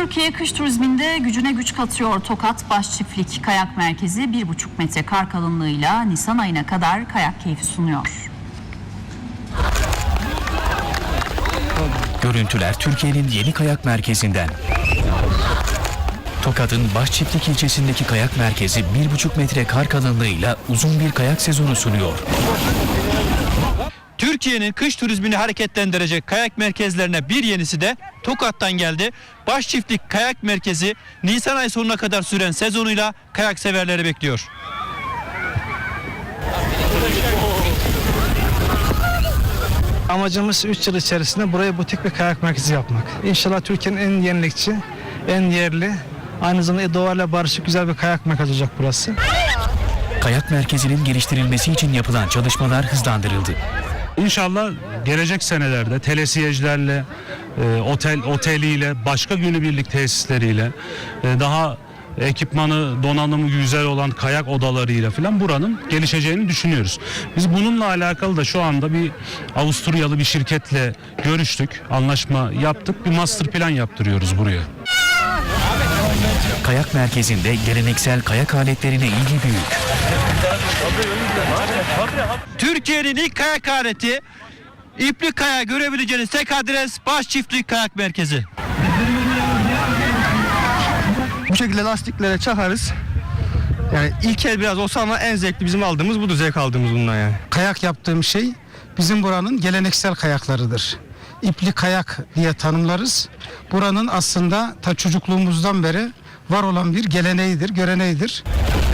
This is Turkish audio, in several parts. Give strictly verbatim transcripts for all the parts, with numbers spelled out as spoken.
Türkiye kış turizminde gücüne güç katıyor. Tokat Başçiftlik Kayak Merkezi bir buçuk metre kar kalınlığıyla Nisan ayına kadar kayak keyfi sunuyor. Görüntüler Türkiye'nin yeni kayak merkezinden. Tokat'ın Başçiftlik ilçesindeki kayak merkezi bir buçuk metre kar kalınlığıyla uzun bir kayak sezonu sunuyor. Türkiye'nin kış turizmini hareketlendirecek kayak merkezlerine bir yenisi de Tokat'tan geldi. Başçiftlik Kayak Merkezi Nisan ayı sonuna kadar süren sezonuyla kayak severleri bekliyor. Amacımız üç yıl içerisinde buraya butik bir kayak merkezi yapmak. İnşallah Türkiye'nin en yenilikçi, en yerli, aynı zamanda doğayla barışık güzel bir kayak merkezi olacak burası. Kayak merkezinin geliştirilmesi için yapılan çalışmalar hızlandırıldı. İnşallah gelecek senelerde telesiyecilerle, e, otel oteliyle, başka günübirlik tesisleriyle, e, daha ekipmanı, donanımı güzel olan kayak odalarıyla falan buranın gelişeceğini düşünüyoruz. Biz bununla alakalı da şu anda bir Avusturyalı bir şirketle görüştük, anlaşma yaptık, bir master plan yaptırıyoruz buraya. Kayak merkezinde geleneksel kayak aletlerine ilgi büyük. Türkiye'nin ilk kayak aleti, iplik kayağı görebileceğiniz tek adres Başçiftlik Kayak Merkezi. Bu şekilde lastiklere çakarız. Yani ilk el biraz olsa ama en zevkli bizim aldığımız budur, zevk aldığımız bundan yani. Kayak yaptığım şey bizim buranın geleneksel kayaklarıdır. İpli kayak diye tanımlarız. Buranın aslında ta çocukluğumuzdan beri var olan bir geleneğidir, göreneğidir.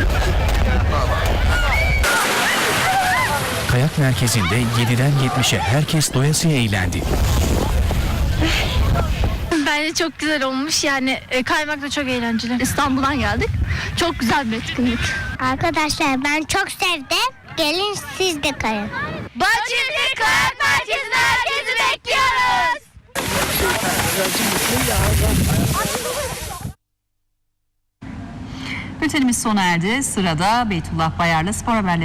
Kayak merkezinde yediden yetmişe herkes doyasıya eğlendi. Bence çok güzel olmuş. Yani e, kaymak da çok eğlenceli. İstanbul'dan geldik. Çok güzel bir etkinlik. Arkadaşlar ben çok sevdim. Gelin siz de kayın. Başçiftlik Kayak Merkezi'ne herkesi bekliyoruz. Bültenimiz sona erdi. Sırada Beytullah Bayar'la spor haberleri.